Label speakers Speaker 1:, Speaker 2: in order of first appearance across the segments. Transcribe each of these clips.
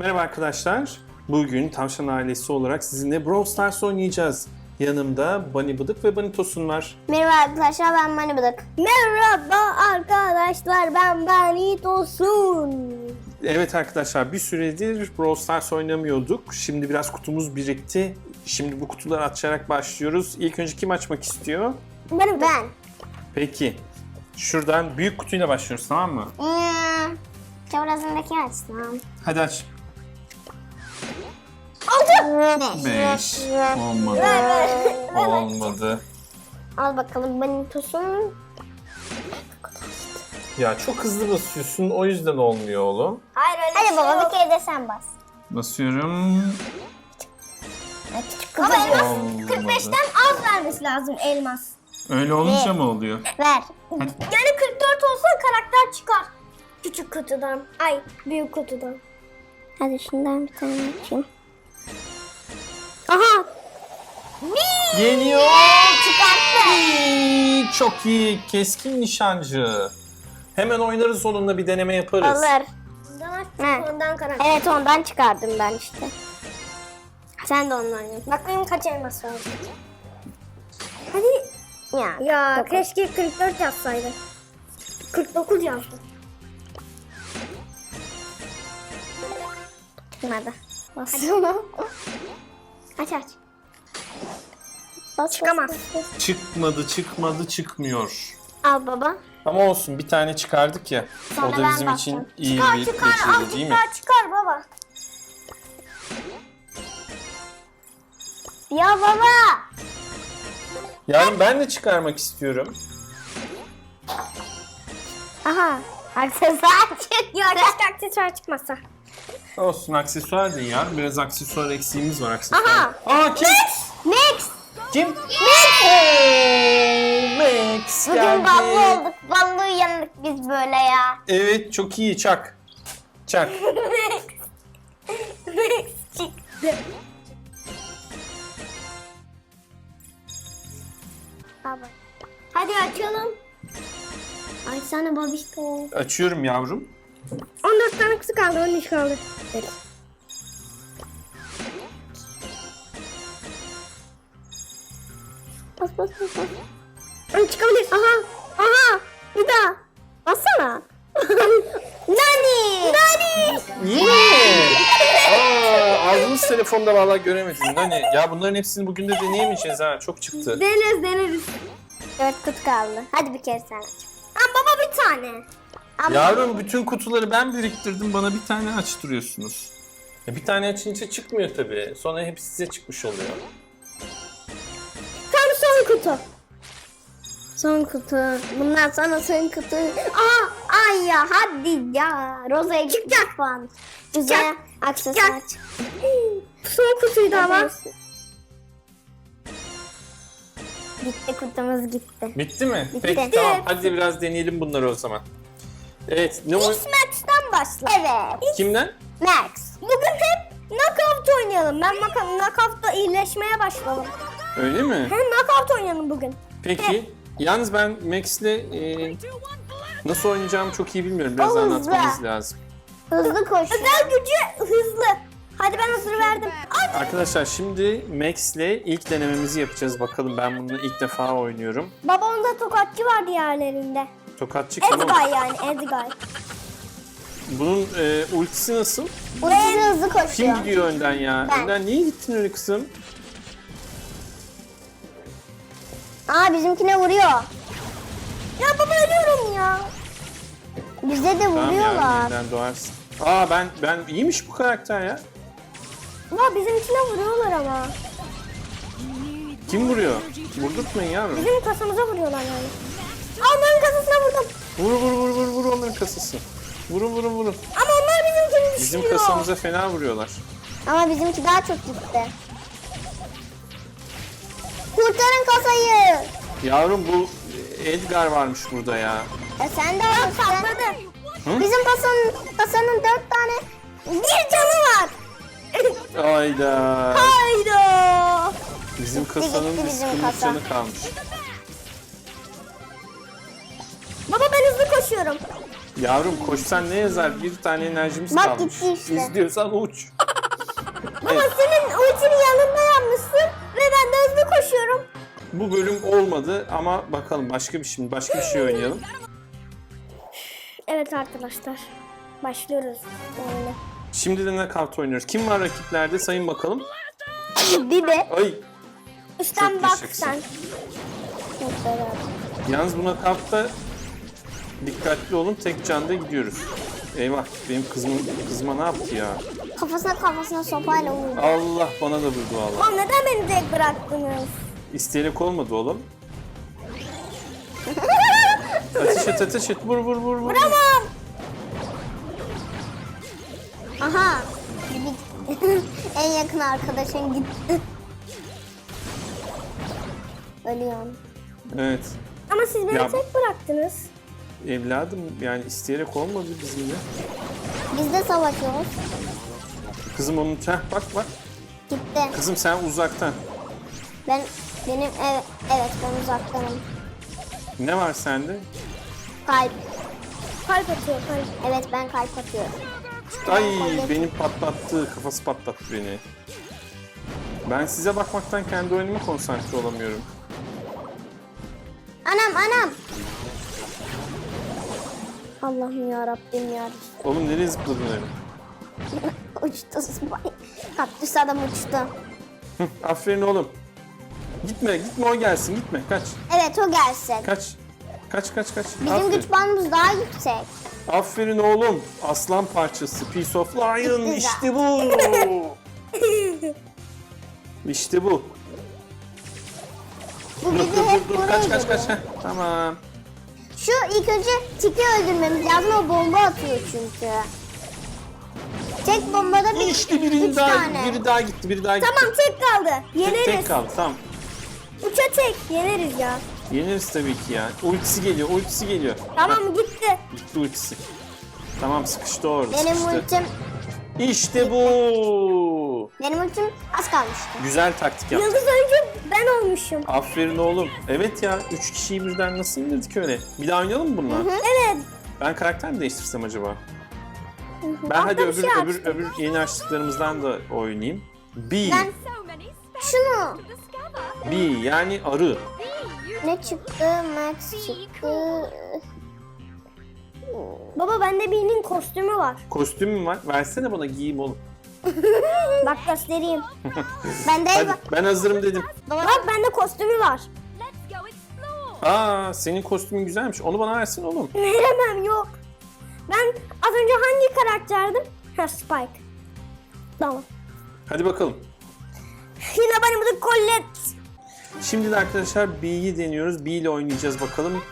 Speaker 1: Merhaba arkadaşlar. Bugün Tavşan ailesi olarak sizinle Brawl Stars oynayacağız. Yanımda Bunny Bıdık ve Bunny Tosun var.
Speaker 2: Merhaba arkadaşlar, ben Bunny Bıdık. Merhaba arkadaşlar, ben Bunny Tosun.
Speaker 1: Evet arkadaşlar, bir süredir Brawl Stars oynamıyorduk. Şimdi biraz kutumuz birikti. Şimdi bu kutuları açarak başlıyoruz. İlk önce kim açmak istiyor?
Speaker 2: Ben.
Speaker 1: Peki. Şuradan büyük kutuyla başlıyoruz, tamam mı?
Speaker 2: Çevresindeki açsam.
Speaker 1: Hadi aç.
Speaker 2: 6.
Speaker 1: 5. Olmadı. Olmadı.
Speaker 2: Al bakalım Bunny Tosun.
Speaker 1: Ya çok hızlı basıyorsun, o yüzden olmuyor oğlum.
Speaker 2: Hayır öyle hadi baba bir kere de sen bas.
Speaker 1: Basıyorum.
Speaker 2: Küçük kızım.
Speaker 1: Olmadı.
Speaker 2: 45'ten az vermesi lazım elmas.
Speaker 1: Öyle olunca mı oluyor?
Speaker 2: Ver.
Speaker 1: Hadi.
Speaker 2: Yani 44 olsa karakter çıkar. Küçük kutudan. Ay büyük kutudan. Hadi şundan bir tane açayım. Aha.
Speaker 1: Geliyor.
Speaker 2: Çıkarttı.
Speaker 1: Çok iyi. Keskin nişancı. Hemen oynarız onunla, bir deneme yaparız.
Speaker 2: Olur. Ondan karakter. Evet ondan çıkardım ben işte. Sen de ondan yap. Bakayım kaç elmas var. Hadi. Ya keşke 44 yazsaydı. 49 yazdı. Çıkmadı. Basıyorum. Aç aç. Çıkamaz.
Speaker 1: Çıkmadı, çıkmıyor.
Speaker 2: Al baba.
Speaker 1: Ama olsun, bir tane çıkardık ya.
Speaker 2: Sonra
Speaker 1: o da
Speaker 2: ben
Speaker 1: bizim
Speaker 2: basacağım.
Speaker 1: için iyi bir
Speaker 2: Çıkar
Speaker 1: tecrübe değil mi?
Speaker 2: çıkar baba. Ya baba.
Speaker 1: Yarın ben de çıkarmak istiyorum.
Speaker 2: Aha. Aksesuar çıkıyor. Keşke aksesuar çıkmasa.
Speaker 1: Olsun, aksesuar değil ya. Biraz aksesuar eksiğimiz var, aksesuar.
Speaker 2: Aha.
Speaker 1: Aa, kim?
Speaker 2: Max.
Speaker 1: Kim? Max
Speaker 2: Bugün
Speaker 1: geldi.
Speaker 2: ballı olduk. Ballı uyandık biz böyle ya.
Speaker 1: Evet, çok iyi. Çak. Çak.
Speaker 2: Max çıktı. Baba. Hadi açalım. Ay sana babişko.
Speaker 1: Açıyorum yavrum.
Speaker 2: 14 tane kutu kaldı, 13 kaldı. Evet. Bas. Ay çıkabilir. Aha. Bir daha. Bassana. Nani.
Speaker 1: Niye? Ağzımız telefonda vallahi göremedim. Hani ya bunların hepsini bugün de deneyemeyeceğiz ha. Çok çıktı.
Speaker 2: Deneriz. Evet kutu kaldı. Hadi bir kere sen aç. Baba bir tane.
Speaker 1: Yavrum, bütün kutuları ben biriktirdim. Bana bir tane açtırıyorsunuz. Bir tane açınca çıkmıyor tabii. Sonra hepsi size çıkmış oluyor.
Speaker 2: Tam son kutu. Son kutu. Bundan sonra son kutu. Ay ya hadi ya. Roza'ya çıkacak falan. Güzel aksesuar. Son kutuydu ama. Gitti kutumuz gitti.
Speaker 1: Bitti mi?
Speaker 2: Bitti.
Speaker 1: Peki tamam. Hadi biraz deneyelim bunları o zaman. Evet. Ne o?
Speaker 2: Max'ten başla. Evet.
Speaker 1: Kimden?
Speaker 2: Max. Bugün hep knockout oynayalım. Ben knockout'ta iyileşmeye başladım.
Speaker 1: Öyle mi?
Speaker 2: Hem knockout oynayalım bugün.
Speaker 1: Peki. Yalnız ben Max'le nasıl oynayacağımı çok iyi bilmiyorum. Biraz
Speaker 2: O hızlı.
Speaker 1: anlatmanız lazım.
Speaker 2: Hızlı koş. Özel gücü hızlı. Hadi ben hazır verdim.
Speaker 1: Arkadaşlar şimdi Max'le ilk denememizi yapacağız. Bakalım, ben bunu ilk defa oynuyorum.
Speaker 2: Baba onda tokatçı var diğerlerinde.
Speaker 1: Tokatçı kim oğlum?
Speaker 2: Edgay yani Edgay.
Speaker 1: Bunun ultisi nasıl?
Speaker 2: Ultisi hızlı koşuyor.
Speaker 1: Kim gidiyor önden ya?
Speaker 2: Ben.
Speaker 1: Önden niye gittin öyle kızım?
Speaker 2: Bizimkine vuruyor. Ya baba ölüyorum ya. Bize de
Speaker 1: Tamam ya,
Speaker 2: vuruyorlar.
Speaker 1: yeniden doğarsın. Ben iyiymiş bu karakter ya.
Speaker 2: Baba bizimkine vuruyorlar ama.
Speaker 1: Kim vuruyor? Vurdurtmayın yavrum.
Speaker 2: Bizim kasamıza vuruyorlar yani. Onların kasasına vurdum.
Speaker 1: Vur onların kasası. Vurun.
Speaker 2: Ama onlar bizimkini
Speaker 1: Bizim
Speaker 2: düşürüyor.
Speaker 1: kasamıza fena vuruyorlar.
Speaker 2: Ama bizimki daha çok gitti. Kurtarın kasayı.
Speaker 1: Yavrum, bu Edgar varmış burada ya.
Speaker 2: Sen de patladı.
Speaker 1: Hı?
Speaker 2: Bizim kasanın 4 tane bir canı var.
Speaker 1: Hayda.
Speaker 2: Hayda.
Speaker 1: Bizim kasanın
Speaker 2: gitti bizim
Speaker 1: bir
Speaker 2: kasa.
Speaker 1: canı kalmış.
Speaker 2: Baba ben hızlı koşuyorum.
Speaker 1: Yavrum koşsan ne yazar? Bir tane enerjimiz
Speaker 2: Bak
Speaker 1: kalmış.
Speaker 2: gitti işte.
Speaker 1: İzliyorsan uç.
Speaker 2: Ama senin ultinin yanında yapmışsın ve ben de hızlı koşuyorum.
Speaker 1: Bu bölüm olmadı ama bakalım başka bir şey oynayalım.
Speaker 2: Evet arkadaşlar. Başlıyoruz. Öyle.
Speaker 1: Şimdi de knockout oynuyoruz. Kim var rakiplerde sayın bakalım.
Speaker 2: Bibi.
Speaker 1: Ay.
Speaker 2: Üstten
Speaker 1: Çok
Speaker 2: bak
Speaker 1: teşekkür.
Speaker 2: sen. Hep beraber.
Speaker 1: Yalnız bu knockout'ta dikkatli olun. Tek canda gidiyoruz. Eyvah benim kızıma ne yaptı ya?
Speaker 2: Kafasına sopayla vurdu.
Speaker 1: Allah bana da vurdu valla.
Speaker 2: Oğlum neden beni tek bıraktınız?
Speaker 1: İsteyerek olmadı oğlum. Ateş et. Vur.
Speaker 2: Vuramam. Aha. Bibi en yakın arkadaşın gitti. Ölüyorum.
Speaker 1: Evet.
Speaker 2: Ama siz beni
Speaker 1: Ya-
Speaker 2: tek bıraktınız.
Speaker 1: Evladım yani isteyerek olmadı bizimle.
Speaker 2: Biz de savaşıyoruz.
Speaker 1: Kızım onun bak.
Speaker 2: Gitti.
Speaker 1: Kızım sen uzaktan.
Speaker 2: Benim evet ben uzaktanım.
Speaker 1: Ne var sende?
Speaker 2: Kalp. Kalp atıyor kalp. Evet ben kalp atıyorum.
Speaker 1: Ay benim kafası patlattı beni. Ben size bakmaktan kendi oyunuma konsantre olamıyorum.
Speaker 2: Anam. Allah'ım ya Rabbim ya.
Speaker 1: Oğlum nereye zıpladın öyle?
Speaker 2: Uçtu Spike. Kaktüs adam uçtu.
Speaker 1: Aferin oğlum. Gitme o gelsin gitme kaç.
Speaker 2: Evet o gelsin.
Speaker 1: Kaç.
Speaker 2: Bizim
Speaker 1: Aferin.
Speaker 2: güç bandımız daha yüksek.
Speaker 1: Aferin oğlum. Aslan parçası. Piece of Lion.
Speaker 2: Güzel.
Speaker 1: İşte bu. İşte bu.
Speaker 2: Bu bizi hep buraya
Speaker 1: Kaç.
Speaker 2: geliyor.
Speaker 1: Heh, tamam.
Speaker 2: Şu ilk önce Tiki öldürmemiz lazım. O bomba atıyor çünkü. Tek bombada
Speaker 1: İşte
Speaker 2: üç
Speaker 1: biri
Speaker 2: tane.
Speaker 1: daha gitti.
Speaker 2: Tamam tek kaldı. Yeneriz.
Speaker 1: Tek kaldı tamam.
Speaker 2: Üçe tek. Yeneriz ya.
Speaker 1: Yeniriz tabii ki ya. Ultisi geliyor.
Speaker 2: Tamam gitti.
Speaker 1: Gitti ultisi. Tamam sıkıştı orada.
Speaker 2: Benim
Speaker 1: sıkıştı.
Speaker 2: ultim
Speaker 1: İşte bu.
Speaker 2: az kalmıştı.
Speaker 1: Güzel taktik yaptın.
Speaker 2: Yıldız oyuncu ben olmuşum.
Speaker 1: Aferin oğlum. Evet ya 3 kişiyi birden nasıl indirdik öyle? Bir daha oynayalım mı bununla?
Speaker 2: Evet.
Speaker 1: Ben karakter mi değiştirsem acaba? Ben
Speaker 2: Ah,
Speaker 1: hadi
Speaker 2: ben bir şey açtım.
Speaker 1: öbür yeni açtıklarımızdan da oynayayım. Bee.
Speaker 2: Ben şunu.
Speaker 1: Bee yani arı.
Speaker 2: Ne çıktı? Max çıktı. Baba bende birinin kostümü var.
Speaker 1: Kostümüm var. Versene bana giyeyim oğlum.
Speaker 2: Bak göstereyim. Bende
Speaker 1: Hadi
Speaker 2: bak.
Speaker 1: ben hazırım dedim.
Speaker 2: Bak bende kostümü var.
Speaker 1: Aa senin kostümün güzelmiş. Onu bana versin oğlum.
Speaker 2: Veremem yok. Ben az önce hangi karakterdim? Ha Spike. Tamam.
Speaker 1: Hadi bakalım.
Speaker 2: Yine benim de Colette.
Speaker 1: Şimdi de arkadaşlar Bee'yi deniyoruz. Bee ile oynayacağız bakalım.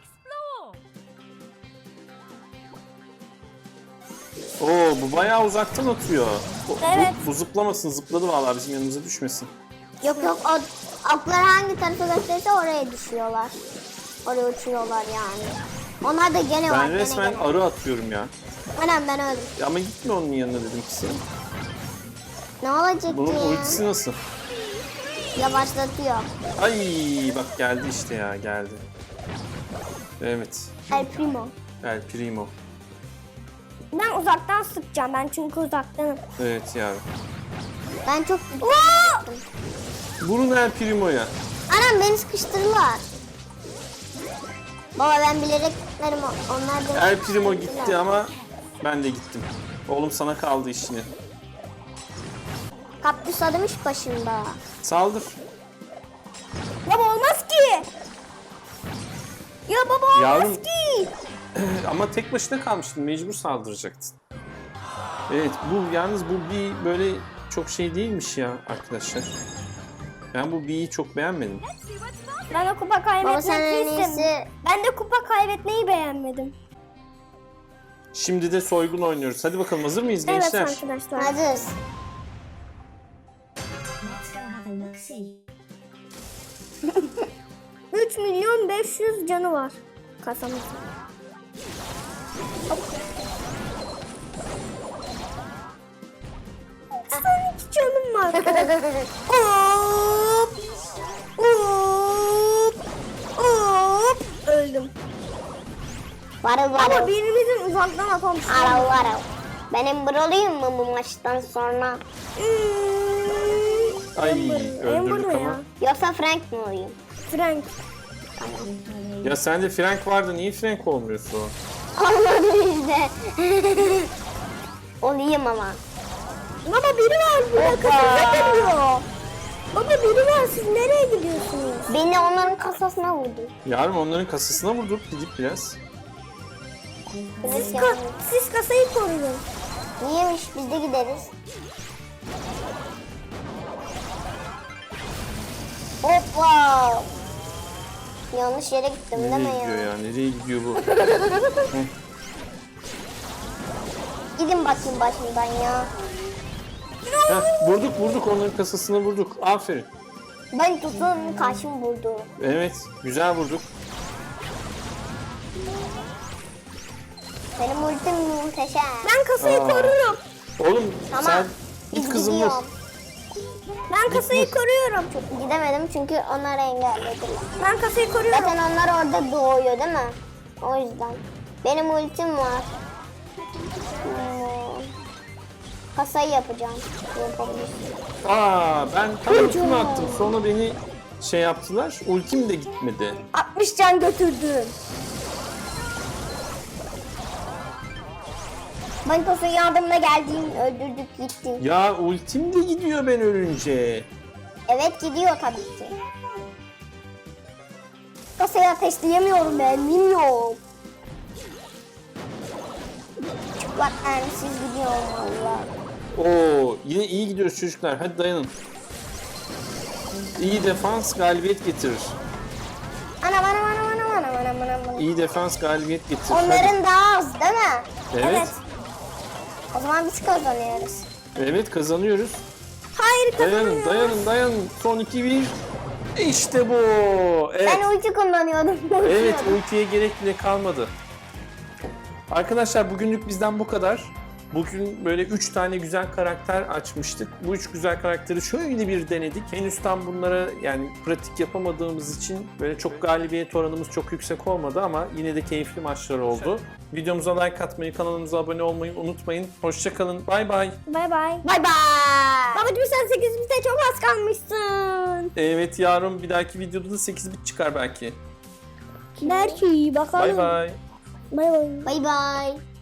Speaker 1: Oo bu bayağı uzaktan atıyor.
Speaker 2: Evet.
Speaker 1: Bu zıplamasın. Zıpladı vallahi bizim yanımıza düşmesin.
Speaker 2: Yok o oklar hangi tarafa gösterirse oraya düşüyorlar. Oraya uçuyorlar yani. Onlar da gene var.
Speaker 1: Ben resmen
Speaker 2: gene.
Speaker 1: arı atıyorum ya.
Speaker 2: Anam ben öldüm.
Speaker 1: Ama gitme onun yanına dedim ki.
Speaker 2: Ne olacak
Speaker 1: Bunun
Speaker 2: ki?
Speaker 1: ultisi nasıl?
Speaker 2: Yavaşlatıyor.
Speaker 1: Ay bak geldi işte ya geldi. Evet.
Speaker 2: El Primo.
Speaker 1: El Primo.
Speaker 2: Ben uzaktan sıkacağım. Ben çünkü uzaktanım.
Speaker 1: Evet ya.
Speaker 2: Ben çok...
Speaker 1: Vurun El Primo'ya.
Speaker 2: Anam beni sıkıştırırlar. Baba ben bilerek gitmedim. Onlar da...
Speaker 1: El Primo gitti ama ben de gittim. Oğlum sana kaldı işini.
Speaker 2: Kaktüs adım iş başında.
Speaker 1: Saldır.
Speaker 2: Baba olmaz ki. Ya baba olmaz
Speaker 1: Yavrum.
Speaker 2: ki.
Speaker 1: Ama tek başına kalmıştın. Mecbur saldıracaktın. Evet yalnız bu bir böyle çok şey değilmiş ya arkadaşlar. Ben bu B'yi çok beğenmedim.
Speaker 2: Ben de kupa
Speaker 3: Baba sen en
Speaker 2: kaybetmek istedim.
Speaker 3: iyisi
Speaker 2: Ben de kupa kaybetmeyi beğenmedim.
Speaker 1: Şimdi de soygun oynuyoruz. Hadi bakalım hazır mıyız
Speaker 2: Evet
Speaker 1: gençler?
Speaker 2: arkadaşlar.
Speaker 3: hazırız.
Speaker 2: 3.500.000 canı var kasamızda. Hop. Son 2 canım var. Hop. Hop. Hop. Öldüm. Varıl varıl. Ama birimizin uzaktan atamışsın. Varıl varıl. Ben Ember olayım mı bu maçtan sonra?
Speaker 1: Ay öldürdük ama.
Speaker 2: Ya. Yoksa Frank mi olayım? Frank.
Speaker 1: Ya sende Frank vardı, niye Frank olmuyorsun?
Speaker 2: Olmadı işte. Olayım ama. Baba biri var burada kasasına geliyor. Baba biri var, siz nereye gidiyorsunuz? Beni onların kasasına vurdu.
Speaker 1: Yarın onların kasasına vurduk gidip biraz.
Speaker 2: Siz kasayı koruyun. Niyemiş, biz de gideriz. Hoppa. Yanlış yere gittim değil mi
Speaker 1: Nereye gidiyor
Speaker 2: ya?
Speaker 1: ya? Nereye gidiyor bu?
Speaker 2: Gidin bakayım başımdan ya.
Speaker 1: Heh, vurduk onların kasasına vurduk. Aferin.
Speaker 2: Ben tutun karşım vurdu.
Speaker 1: Evet güzel vurduk.
Speaker 2: Benim ultim muhteşem. Ben kasayı
Speaker 1: Aa.
Speaker 2: koruyorum.
Speaker 1: Oğlum
Speaker 2: Tamam.
Speaker 1: sen git kızım vur.
Speaker 2: Ben kasayı koruyorum. Çok gidemedim çünkü onları engellediler. Ben kasayı koruyorum. Zaten onlar orada doğuyor değil mi? O yüzden. Benim ultim var. Kasayı yapacağım. Yapabilirsin.
Speaker 1: Aa ben tam ultimi attım. Sonra beni şey yaptılar. Ultim de gitmedi.
Speaker 2: 60 can götürdüm. Ben kasayı yardımına geldim. Öldürdük gitti.
Speaker 1: Ya ultim de gidiyor ben ölünce.
Speaker 2: Evet gidiyor tabii ki. Kasayı ateşleyemiyorum ben. Bilmiyorum. Bak siz gidiyorum valla.
Speaker 1: Oo yine iyi gidiyoruz çocuklar. Hadi dayanın. İyi defans galibiyet getirir.
Speaker 2: Anam.
Speaker 1: İyi defans galibiyet getirir. Hadi.
Speaker 2: Onların daha az değil mi?
Speaker 1: Evet.
Speaker 2: O zaman biz kazanıyoruz.
Speaker 1: Evet kazanıyoruz.
Speaker 2: Hayır
Speaker 1: Dayanın. Son 2-1. İşte bu. Evet.
Speaker 2: Ben ulti kullanıyordum.
Speaker 1: Evet ultiye gerek bile kalmadı. Arkadaşlar bugünlük bizden bu kadar. Bugün böyle 3 tane güzel karakter açmıştık. Bu 3 güzel karakteri şöyle bir denedik. Henüz tam bunlara yani pratik yapamadığımız için böyle çok galibiyet oranımız çok yüksek olmadı ama yine de keyifli maçlar oldu. Videomuza like atmayı, kanalımıza abone olmayı unutmayın. Hoşça kalın. Bay bay.
Speaker 2: Bay bay. Babacığım sen 8 bite çok az kalmışsın.
Speaker 1: Evet yarın bir dahaki videoda da 8 bit çıkar belki.
Speaker 2: Belki bakalım.
Speaker 1: Bay bay.
Speaker 2: Bay bay. Bay bay.